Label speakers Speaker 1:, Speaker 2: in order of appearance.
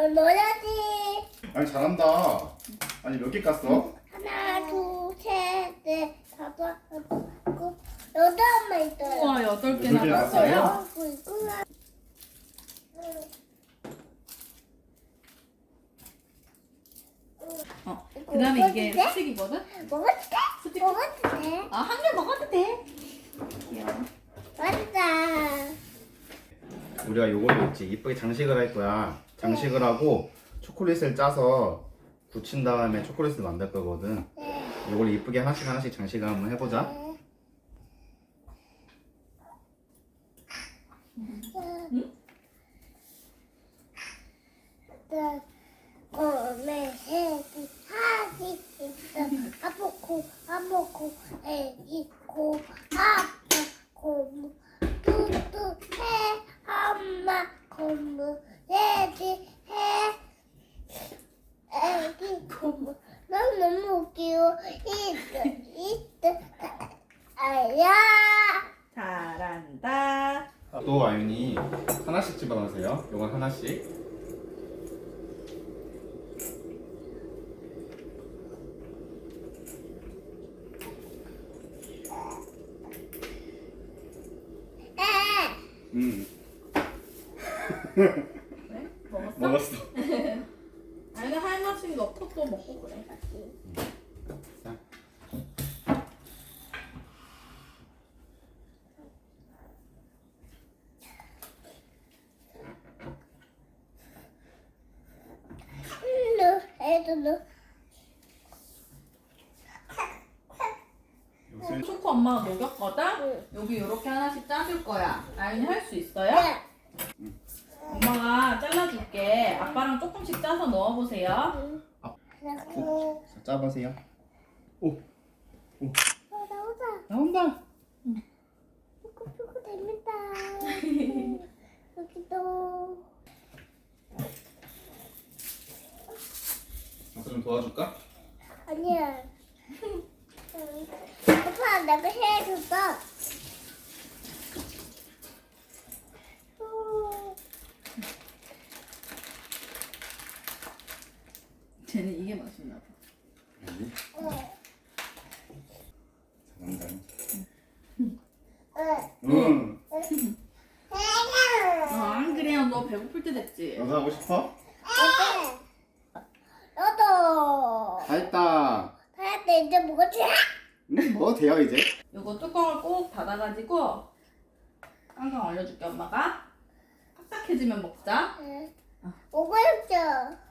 Speaker 1: 넣어야지.
Speaker 2: 아니 잘한다. 아니 몇 개 깠어?
Speaker 1: 하나, 둘, 셋, 넷, 다섯, 여섯, 일곱, 여덟 있어요.
Speaker 3: 우와, 8개나
Speaker 2: 몇 개나
Speaker 3: 땄어요?
Speaker 2: 땄어요?
Speaker 1: 있구나.
Speaker 3: 그 다음에 이게
Speaker 1: 먹어도 돼?
Speaker 3: 스틱이거든?
Speaker 1: 먹어도 돼?
Speaker 3: 스틱.
Speaker 1: 먹어도 돼?
Speaker 3: 아, 한 개 먹어도 돼. 귀여워.
Speaker 1: 맞다.
Speaker 2: 우리가 요걸로 있지 이쁘게 장식을 할 거야. 장식을 하고 초콜릿을 짜서 굳힌 다음에 초콜릿을 만들 거거든.
Speaker 1: 네.
Speaker 2: 요걸 이쁘게 하나씩 하나씩 장식을 한번 해보자.
Speaker 1: 곰에 해기 하기 있어. 아보고 애기 고 아빠 고무 뚜뚜해 엄마 고무 애기 해 애기 고무 너무 웃기고 이때 아야.
Speaker 3: 잘한다.
Speaker 2: 또 아윤이 하나씩 집어넣으세요. 요건 하나씩. 음.
Speaker 3: 그래? 먹었어?
Speaker 2: 먹었어.
Speaker 3: 아니, 하나씩 넣고 또 먹고 그래.
Speaker 2: 자.
Speaker 1: 애들도
Speaker 2: 요새
Speaker 3: 초코 엄마가 녹였거든?
Speaker 1: 응.
Speaker 3: 여기 이렇게 하나씩 짜줄 거야. 아윤이 할 수 있어요?
Speaker 1: 네.
Speaker 3: 엄마가 잘라줄게. 아빠랑 조금씩 짜서 넣어보세요.
Speaker 1: 그리고
Speaker 2: 자, 짜보세요. 오,
Speaker 1: 나오자.
Speaker 2: 나온다.
Speaker 1: 쭈꾸쭈꾸 됩니다. 여기도
Speaker 2: 아빠 좀 도와줄까?
Speaker 1: 아니야. 아빠 내가 해줬어.
Speaker 3: 쟤는 이게 맛있나 봐.
Speaker 2: 여기. 잘한다. 응.
Speaker 3: 안 그래요. 너 배고플 때 됐지?
Speaker 2: 너도 하고 싶어?
Speaker 1: 너도
Speaker 2: 다 했다.
Speaker 1: 다 했대. 이제 뭐지?
Speaker 2: 뭐 돼요 이제?
Speaker 3: 요거 뚜껑을 꼭 닫아가지고 깡깡 얼려줄게 엄마가. 딱딱해지면 먹자.
Speaker 1: 오고 싶죠.